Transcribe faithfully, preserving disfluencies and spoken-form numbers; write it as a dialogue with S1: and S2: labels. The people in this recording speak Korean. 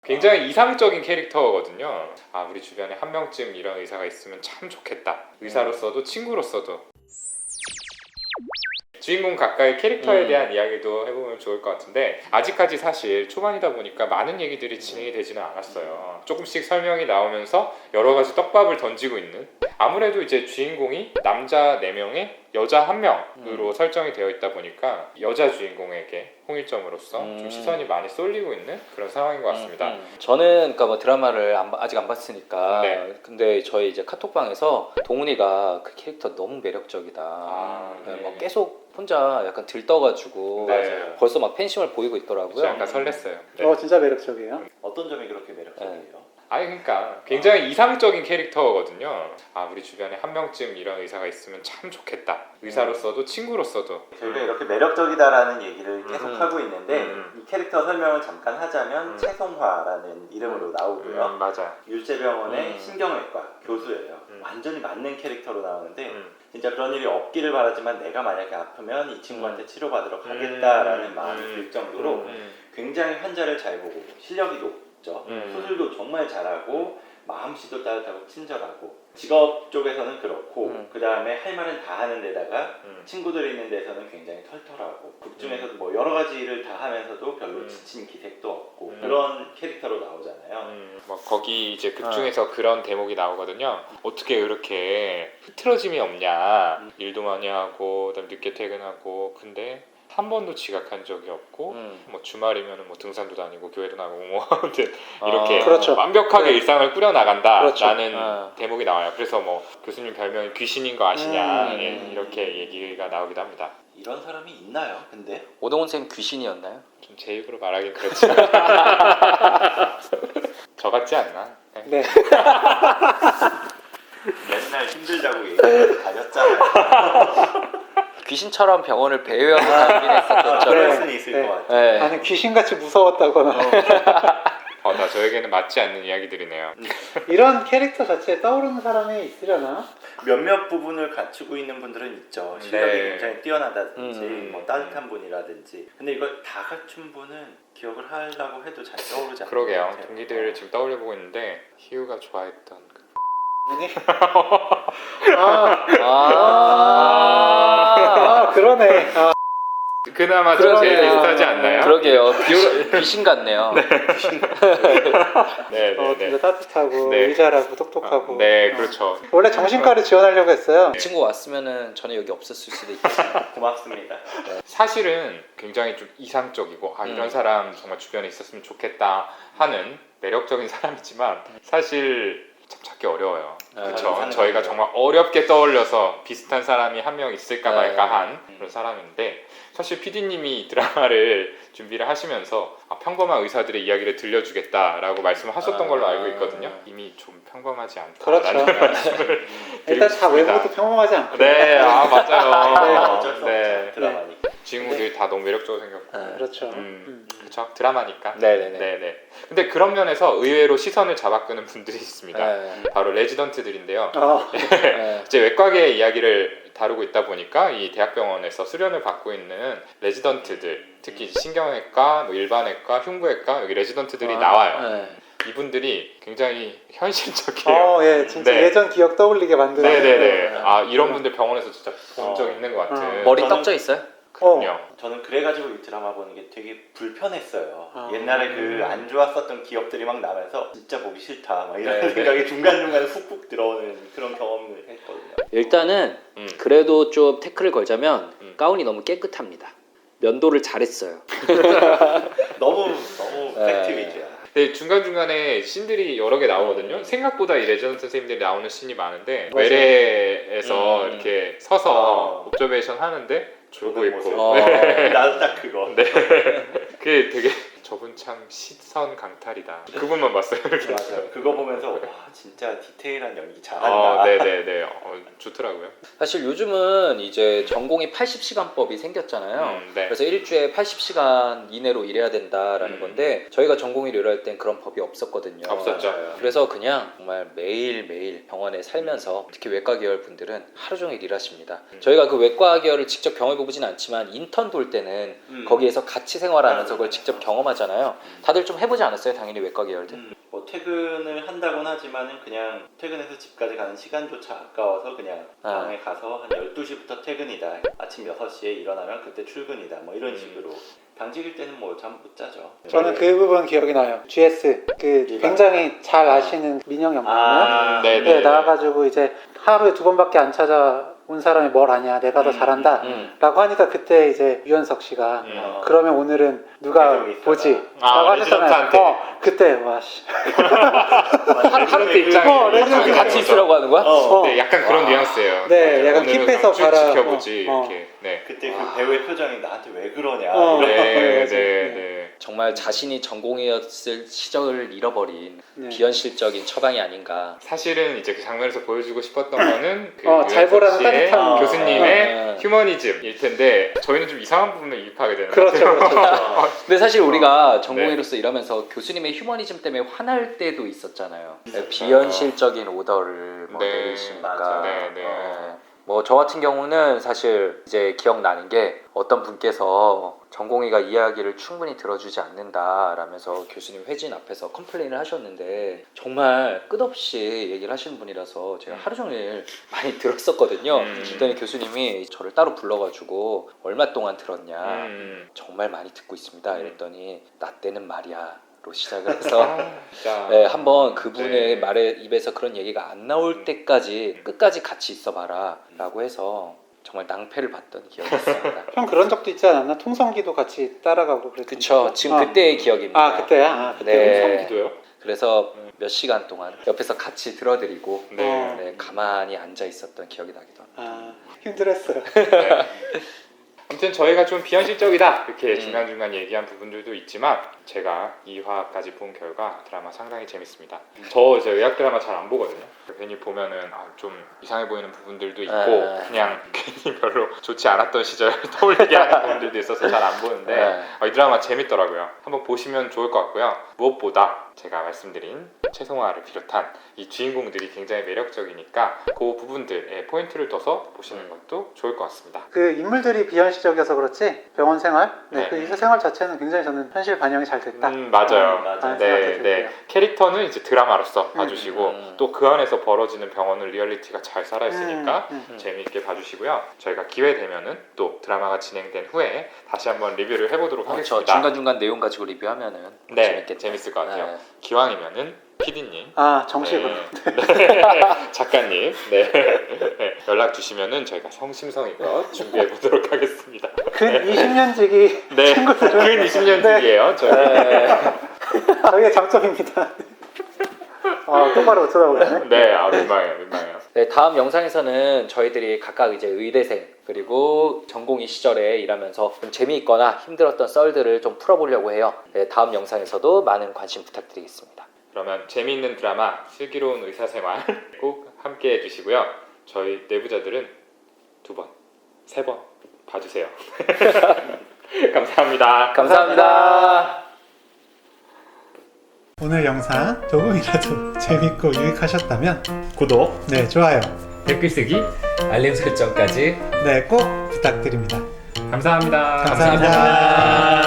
S1: 굉장히 이상적인 캐릭터거든요. 아, 우리 주변에 한 명쯤 이런 의사가 있으면 참 좋겠다. 의사로서도 친구로서도. 주인공 각각의 캐릭터에
S2: 음.
S1: 대한 이야기도 해보면 좋을 것 같은데, 아직까지 사실 초반이다 보니까 많은 얘기들이 진행이 되지는 않았어요. 조금씩 설명이 나오면서 여러 가지 떡밥을 던지고 있는, 아무래도 이제 주인공이 남자 네 명에 여자 한 명으로
S2: 음.
S1: 설정이 되어 있다 보니까 여자 주인공에게 홍일점으로서
S2: 음.
S1: 좀 시선이 많이 쏠리고 있는 그런 상황인 것 같습니다.
S2: 음, 음. 저는 그러니까 뭐 드라마를 안, 봐- 아직 안 봤으니까.
S1: 네.
S2: 근데 저희 이제 카톡방에서 동훈이가 그 캐릭터 너무 매력적이다.
S1: 아,
S2: 네,
S1: 네.
S2: 뭐 계속 혼자 약간 들떠가지고
S1: 네.
S2: 벌써 막 팬심을 보이고 있더라고요.
S1: 약간 설렜어요. 네.
S3: 어 진짜 매력적이에요.
S4: 어떤 점이 그렇게 매력적이에요?
S1: 아니 그러니까 굉장히 이상적인 캐릭터거든요. 아, 우리 주변에 한 명쯤 이런 의사가 있으면 참 좋겠다. 의사로서도 친구로서도.
S4: 저희가 이렇게 매력적이다라는 얘기를 계속
S2: 음.
S4: 하고 있는데
S1: 음.
S4: 이 캐릭터 설명을 잠깐 하자면
S1: 음.
S4: 최송화라는 이름으로 나오고요.
S1: 음, 맞아.
S4: 율제병원의
S2: 음.
S4: 신경외과 교수예요.
S1: 음.
S4: 완전히 맞는 캐릭터로 나오는데
S1: 음.
S4: 진짜 그런 일이 없기를 바라지만 내가 만약에 아프면 이 친구한테
S2: 음.
S4: 치료받으러 가겠다라는
S1: 음.
S4: 마음이
S1: 음.
S4: 들 정도로
S1: 음.
S4: 굉장히 환자를 잘 보고 실력이 높죠.
S1: 음.
S4: 수술도 정말 잘하고 마음씨도 따뜻하고 친절하고 직업 쪽에서는 그렇고
S2: 음.
S4: 그 다음에 할 말은 다 하는 데다가
S1: 음.
S4: 친구들이 있는 데서는 굉장히 털털하고 극 중에서도 뭐 여러 가지 일을 다 하면서도 별로
S1: 음.
S4: 지친 기색도 없고
S1: 음.
S4: 그런 캐릭터로 나오잖아요.
S1: 음, 뭐 거기 이제 극 중에서 그런 대목이 나오거든요. 어떻게 이렇게 흐트러짐이 없냐.
S4: 음.
S1: 일도 많이 하고 그다음 늦게 퇴근하고 근데 한 번도 지각한 적이 없고
S2: 음.
S1: 뭐 주말이면은 뭐 등산도 다니고 교회도 나가고 뭐 아무튼 이렇게
S2: 아,
S3: 그렇죠.
S1: 완벽하게
S2: 네.
S1: 일상을 꾸려나간다라는
S3: 그렇죠.
S2: 아.
S1: 대목이 나와요. 그래서 뭐 교수님 별명이 귀신인 거 아시냐
S2: 음.
S1: 예, 이렇게 얘기가 나오기도 합니다.
S4: 이런 사람이 있나요? 근데
S2: 오동훈 쌤 귀신이었나요?
S1: 좀 제 입으로 말하긴 그렇지만 저 같지 않나? 네.
S3: 네.
S4: 맨날 힘들다고 얘기하고 다녔잖아요.
S2: 귀신처럼 병원을 배회하고 다니긴 했었던
S4: 아,
S2: 저.
S4: 그럴
S3: 네.
S4: 수는 있을
S3: 네.
S4: 것 같아요.
S2: 네.
S3: 나는 귀신같이 무서웠다거나
S1: 어, 다 저에게는 맞지 않는 이야기들이네요.
S3: 이런 캐릭터 자체에 떠오르는 사람이 있으려나?
S4: 몇몇 부분을 갖추고 있는 분들은 있죠. 실력이
S1: 네.
S4: 굉장히 뛰어나다든지
S2: 음.
S4: 뭐 따뜻한 분이라든지. 근데 이걸 다 갖춘 분은 기억을 하려고 해도 잘 떠오르지 않는
S1: 그러게요.
S4: 것 같아요.
S1: 동기들을 지금 떠올려보고 있는데 희우가 좋아했던 그...
S3: 아니? 아,
S2: 아,
S3: 아 그러네. 아,
S1: 그나마 좀 제일
S2: 그러게요.
S1: 비슷하지 않나요?
S2: 그러게요. 귀, 귀신 같네요.
S1: 네,
S3: 어,
S1: 네,
S3: 진짜
S1: 네.
S3: 따뜻하고
S1: 네.
S3: 의잘하고 똑똑하고.
S1: 네,
S3: 어.
S1: 그렇죠.
S3: 원래 정신과를 지원하려고 했어요.
S2: 이 친구 왔으면은 저는 여기 없었을 수도 있겠어요.
S4: 고맙습니다.
S1: 사실은 굉장히 좀 이상적이고 아 이런
S2: 음.
S1: 사람 정말 주변에 있었으면 좋겠다 하는 매력적인 사람이지만 사실 참 찾기 어려워요.
S2: 네,
S1: 그렇죠.
S4: 이상적이죠.
S1: 저희가 정말 어렵게 떠올려서 비슷한 사람이 한 명 있을까
S2: 네.
S1: 말까 한 그런 사람인데 사실 피디님이 드라마를 준비를 하시면서 아, 평범한 의사들의 이야기를 들려주겠다라고 말씀을 하셨던
S2: 아.
S1: 걸로 알고 있거든요. 이미 좀 평범하지 않다.
S3: 그렇죠. 일단 다 외모도 평범하지 않고.
S1: 네, 아 맞아요.
S4: 어쩔 수
S1: 네,
S4: 없죠. 드라마니까.
S1: 주인공들이 다 너무 매력적으로 생겼고.
S2: 네.
S3: 그렇죠.
S1: 음.
S3: 음.
S1: 그렇죠. 드라마니까.
S2: 네네네.
S1: 네네. 근데 그런 면에서 의외로 시선을 잡아끄는 분들이 있습니다.
S2: 네.
S1: 바로 레지던트들인데요.
S3: 어,
S2: 네.
S1: 이제 외과계의 이야기를 다루고 있다 보니까 이 대학병원에서 수련을 받고 있는 레지던트들, 특히 신경외과, 뭐 일반외과, 흉부외과 여기 레지던트들이
S2: 아,
S1: 나와요.
S2: 네.
S1: 이분들이 굉장히 현실적이에요.
S3: 어, 예, 진짜
S1: 네.
S3: 예전 기억 떠올리게 만드는.
S1: 네네네. 아 이런 분들 병원에서 진짜 본 적
S4: 어.
S1: 있는 것 같은.
S3: 어.
S2: 머리
S4: 저는-
S2: 떡져 있어요?
S1: 그럼요.
S4: 저는 그래가지고 이 드라마 보는 게 되게 불편했어요.
S3: 아.
S4: 옛날에 그 안 좋았었던 기억들이 막 나면서 진짜 보기 싫다 막 이런
S1: 네,
S4: 생각이 중간중간에 훅훅 들어오는 그런 경험을 했거든요.
S2: 일단은
S1: 음.
S2: 그래도 좀 태클을 걸자면
S1: 음.
S2: 가운이 너무 깨끗합니다. 면도를 잘했어요.
S4: 너무 너무
S2: 네.
S4: 팩트 위주야.
S1: 근데 중간중간에 씬들이 여러 개 나오거든요. 생각보다 이 레지던트 선생님들이 나오는 씬이 많은데
S3: 맞아요.
S1: 외래에서
S2: 음.
S1: 이렇게 서서
S4: 어.
S1: 옵저베이션 하는데 졸고
S4: 보는
S1: 있고
S4: 모습.
S2: 어.
S4: 나도 딱 그거.
S1: 네. 그게 되게 저분 참 시선 강탈이다. 그분만 봤어요. 이렇게.
S4: 맞아요. 그거 보면서 와 진짜 디테일한 연기 잘한다.
S1: 어, 네네네. 어, 좋더라고요.
S2: 사실 요즘은 이제 전공이 팔십 시간법이 생겼잖아요.
S1: 음, 네.
S2: 그래서 일주에 팔십 시간 이내로 일해야 된다라는
S1: 음.
S2: 건데 저희가 전공의를 일할 땐 그런 법이 없었거든요.
S1: 없었죠.
S4: 맞아요.
S2: 그래서 그냥 정말 매일매일 병원에 살면서 특히 외과 계열 분들은 하루 종일 일하십니다.
S1: 음.
S2: 저희가 그 외과 계열을 직접 경험해 보진 않지만 인턴 돌 때는
S4: 음.
S2: 거기에서 같이 생활하면서
S4: 맞아요.
S2: 그걸 직접 경험하지 나왔잖아요. 다들 좀 해보지 않았어요? 당연히 외과 계열들.
S4: 음, 뭐 퇴근을 한다곤 하지만은 그냥 퇴근해서 집까지 가는 시간조차 아까워서 그냥
S2: 아.
S4: 방에 가서 한 열두 시부터 퇴근이다. 아침 여섯 시에 일어나면 그때 출근이다. 뭐 이런
S1: 음.
S4: 식으로. 당직일 때는 뭐 잠 못 자죠.
S3: 저는 그 부분 기억이 나요. 지에스 그
S4: 일반.
S3: 굉장히 잘 아시는 민영 연구원
S4: 아,
S1: 네,
S3: 네,
S1: 네.
S3: 나와가지고 이제 하루에 두 번밖에 안 찾아온 사람이 뭘 아냐, 내가 더
S4: 음,
S3: 잘한다
S2: 음.
S3: 라고 하니까 그때 이제 유현석 씨가
S1: 음.
S4: 어.
S3: 그러면 오늘은 누가
S4: 계속 있어라.
S3: 보지?
S1: 아,
S3: 라고 하셨잖아요.
S1: 레지던트한테.
S3: 어, 그때 와씨
S2: 한-
S1: 레지던트 입장에
S3: 어, 레지던트
S2: 같이 있으라고 하는 거야?
S4: 어.
S1: 네, 약간 그런
S2: 와.
S1: 뉘앙스예요.
S3: 네,
S1: 맞아요.
S3: 약간
S1: 오늘은
S3: 킵해서
S1: 그럼 쭉
S3: 가라.
S1: 지켜보지
S3: 어, 어.
S1: 이렇게. 네.
S4: 그때
S2: 와.
S4: 그 배우의 표정이 나한테 왜 그러냐.
S3: 어.
S4: 이런.
S1: 네,
S3: 맞아.
S1: 네,
S3: 네.
S1: 네.
S2: 정말 자신이 전공이었을 시절을 잃어버린
S3: 네.
S2: 비현실적인 처방이 아닌가.
S1: 사실은 이제 그 장면에서 보여주고 싶었던 거는 그
S3: 어, 잘
S1: 유현석
S3: 보라는
S1: 씨의
S3: 따뜻한
S1: 교수님의
S2: 어.
S1: 휴머니즘일 텐데 저희는 좀 이상한 부분을 이입하게 되는
S3: 그렇죠,
S1: 것 같아요.
S3: 그렇죠.
S2: 근데 사실 우리가
S1: 네.
S2: 전공의로서 일하면서 교수님의 휴머니즘 때문에 화날 때도 있었잖아요.
S4: 있었죠.
S2: 비현실적인 오더를 뭐
S1: 네,
S2: 내리시니까.
S4: 맞아.
S1: 네, 네.
S2: 어, 뭐 저 같은 경우는 사실 이제 기억나는 게 어떤 분께서 전공의가 이야기를 충분히 들어주지 않는다라면서 교수님 회진 앞에서 컴플레인을 하셨는데 정말 끝없이 얘기를 하시는 분이라서 제가 하루 종일 많이 들었었거든요.
S1: 음.
S2: 그랬더니 교수님이 저를 따로 불러가지고 얼마 동안 들었냐.
S1: 음.
S2: 정말 많이 듣고 있습니다. 이랬더니 나 때는 말이야 로 시작을 해서
S1: 아, 진짜.
S2: 네, 한번 그분의
S1: 네.
S2: 말에 입에서 그런 얘기가 안 나올 때까지 끝까지 같이 있어봐라 라고 해서 정말 낭패를 봤던 기억이 있습니다.
S3: 형 그런 적도 있지 않았나? 통성기도 같이 따라가고 그랬던
S2: 그쵸,
S3: 거?
S2: 지금
S3: 어.
S2: 그때의 기억입니다.
S3: 아 그때야? 아 그때
S2: 네.
S1: 성기도요?
S2: 그래서 몇 시간 동안 옆에서 같이 들어드리고
S1: 네.
S3: 어.
S2: 네, 가만히 앉아 있었던 기억이 나기도 합니다.
S3: 아 힘들었어요.
S1: 네. 아무튼 저희가 좀 비현실적이다 이렇게
S2: 음.
S1: 중간중간 얘기한 부분들도 있지만 제가 이 화까지 본 결과 드라마 상당히 재밌습니다. 저 이제 의학 드라마 잘 안 보거든요. 괜히 보면은 아, 좀 이상해 보이는 부분들도 있고
S2: 아.
S1: 그냥 괜히 별로 좋지 않았던 시절 떠올리게 하는 부분들도 있어서 잘 안 보는데
S2: 네.
S1: 어, 이 드라마 재밌더라고요. 한번 보시면 좋을 것 같고요. 무엇보다 제가 말씀드린 최송화를 비롯한 이 주인공들이 굉장히 매력적이니까 그 부분들에 포인트를 둬서 보시는 것도 좋을 것 같습니다.
S3: 그 인물들이 비현실적이어서 그렇지 병원 생활, 네,
S1: 네.
S3: 그 의사 생활 자체는 굉장히 저는 현실 반영이 잘 됐다.
S1: 음, 맞아요.
S4: 음, 맞아요.
S3: 라는
S1: 네,
S3: 생각이
S1: 네.
S3: 들고요.
S1: 캐릭터는 이제 드라마로서 봐주시고
S2: 음.
S1: 또 그 안에서 벌어지는 병원은 리얼리티가 잘 살아있으니까
S3: 음, 음.
S1: 재미있게 봐주시고요. 저희가 기회 되면은 또 드라마가 진행된 후에 다시 한번 리뷰를 해보도록
S2: 그렇죠.
S1: 하겠습니다.
S2: 중간중간 내용 가지고 리뷰하면은
S1: 네,
S2: 재밌겠다.
S1: 재밌을 것 같아요.
S2: 네.
S1: 기왕이면은 피디님,
S3: 아 정식으로.
S1: 네. 네. 작가님, 네. 네. 연락 주시면은 저희가 성심성의껏 준비해 보도록 하겠습니다.
S3: 근 이십 년지기
S1: 네, 근 이십 년 뒤에요. 저희.
S2: 네.
S3: 저희의 장점입니다. 아 똑바로 못 쳐다보네.
S1: 네, 아 민망해요, 민망해요.
S2: 네, 다음 영상에서는 저희들이 각각 이제 의대생 그리고 전공의 시절에 일하면서 좀 재미있거나 힘들었던 썰들을 좀 풀어보려고 해요. 네, 다음 영상에서도 많은 관심 부탁드리겠습니다.
S1: 그러면 재미있는 드라마 슬기로운 의사생활 꼭 함께 해주시고요. 저희 내부자들은 두 번, 세 번 봐주세요. 감사합니다.
S2: 감사합니다.
S3: 오늘 영상 조금이라도 재밌고 유익하셨다면
S1: 구독,
S3: 네 좋아요,
S1: 댓글 쓰기,
S2: 알림 설정까지
S3: 네 꼭 부탁드립니다.
S1: 감사합니다.
S3: 감사합니다.